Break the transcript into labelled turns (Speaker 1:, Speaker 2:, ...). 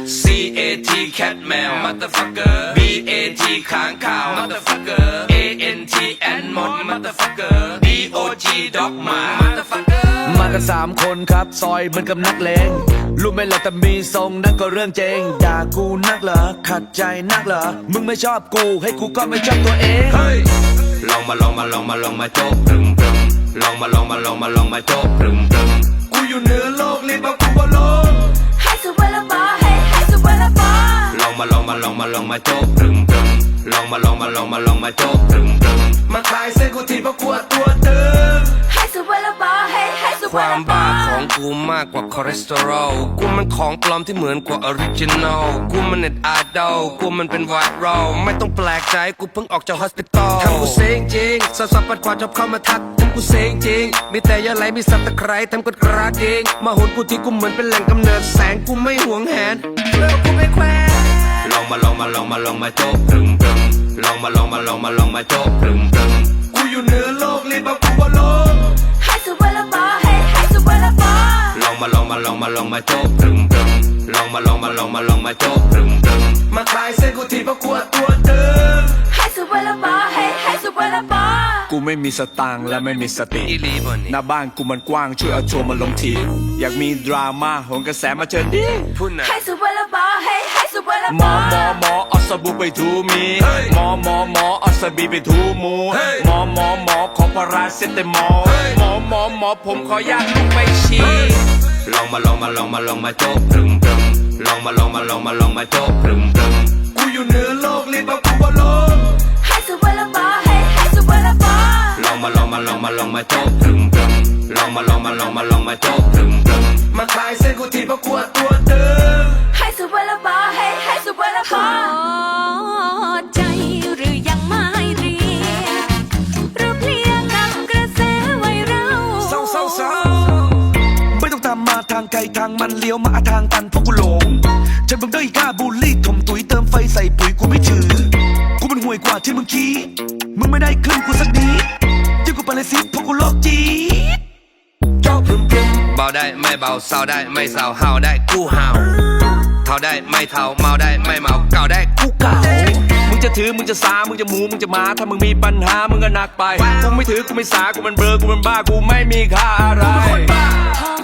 Speaker 1: C A T cat แมว motherfucker B A T ค้างคาว motherfucker A N T ant หมด motherfucker D O G dog หมา motherfucker
Speaker 2: มากัน3 คนครับซอยเหมือนกับนักเลงรู้ไหมล่ะแต่มีทรงนั่นก็เรื่องเจงด่ากูนักเหรอขัดใจนักเหรอมึงไม่ชอบกูให้กูก็ไม่ชอบตัวเอง
Speaker 1: เฮ้ยลองมาโจ๊กพรึมลองมาโจ๊กพรึมกูอยู่เหนือโลกรีบเอากูบนโลก
Speaker 3: ให้สุวรรณบอให้สุวรรณบอ
Speaker 1: ลองมาโจ๊กพรึมลองมาโจ๊กพรึมมาคลายเส้นกูทีเพราะกูตัวตึง
Speaker 3: ให้สุวรรณบอให้สุวรรณบอ
Speaker 1: ความบ้าของกูมากกว่าคอเลสเตอรอลกูมันของปลอมที่เหมือนกว่าออริจินอลกูมันเน็ตไอดอลกูมันเป็นไวรัลไม่ต้องแปลกใจกูเพิ่งออกจากฮอสพิทอลทำกูเซ็งจริงสาวๆปัดกวาดชอบเข้ามาทักทำกูเซ็งจริงมีแต่ยาไหลมีสับตะไคร้ทำกดกระดเองมาโหนกูที่กูเหมือนเป็นแหล่งกำเนิดแสงกูไม่หวงแหนเลิกกูไม่แควนลองมาโจ๊กพรึมลองมาโจ๊กพรึมกูอยู่เหนือโลกรีบเอากูบนโลก
Speaker 3: ให้สุวรรณบอให้สุวรรณบอ
Speaker 1: ลองมาโจ๊กพรึมลองมาโจ๊กพรึมมาคลายเส้นกูทีเพราะกูตัวตึง
Speaker 3: ให้สุวรรณบอให้สุวรรณบอ
Speaker 2: กูไม่มีสตางค์และไม่มีสติ
Speaker 1: อีลีบอนนี่
Speaker 2: หน้าบ้านกูมันกว้างช่วยเอาทัวร์มาลงทีอยากมีดราม่าโหนกระแสมาเชิญดิ
Speaker 1: พูดนะ
Speaker 3: ให้สุวรรณบอให้สุวรรณบอ
Speaker 2: หมอเอาสบู่ไปถูมีหมอเอาสบีไปถูหมูหมอขอพาราเซตามอลหมอผมขอยากลุกไปฉี่
Speaker 1: ลองมาโจ๊กพรึมลองมาโจ๊กพรึมกูอยู่เหนือโลกรีบเอากูบนโลก
Speaker 3: ให้สุวรรณบอให้สุวรรณบอ
Speaker 1: ลองมาโจ๊กพรึมลองมาโจ๊กพรึมมาคลายเส้นกูทีเพราะกูตัวตึง
Speaker 3: ให้สุวรรณบอให้สุวรรณบอใจหรือยังไม่เรียนหรือเพลียกับกระแสไวรัล
Speaker 2: เศร้าไม่ต้องตามมาทางไกลทางมันเลี้ยวมาทางตันเพราะกูหลงฉันเพิ่งได้กล้าบูลลี่ถมตุ๋ยเติมไฟใส่ปุ๋ยกูไม่ถือกูมันห่วยกว่าที่มึงคิดมึงไม่ได้ขึ้นกูสักนิดยิ่งกูไปเลยสิเพราะกูโลกจีดโจ๊กพรึม
Speaker 1: เบาได้ไม่เบาเศร้าได้ไม่เศร้าเฮาได้กูเฮาเท่าได้ไม่เท่าเมาได้ไม่เมาเก่าได้กูเก่า
Speaker 2: มึงจะถือมึงจะสามึงจะหมูมึงจะมาถ้ามึงมีปัญหามึงก็หนักไปกูไม่ถือกูไม่สากูมันเบลอกูมันบ้ากูไม่มีค่าอะไร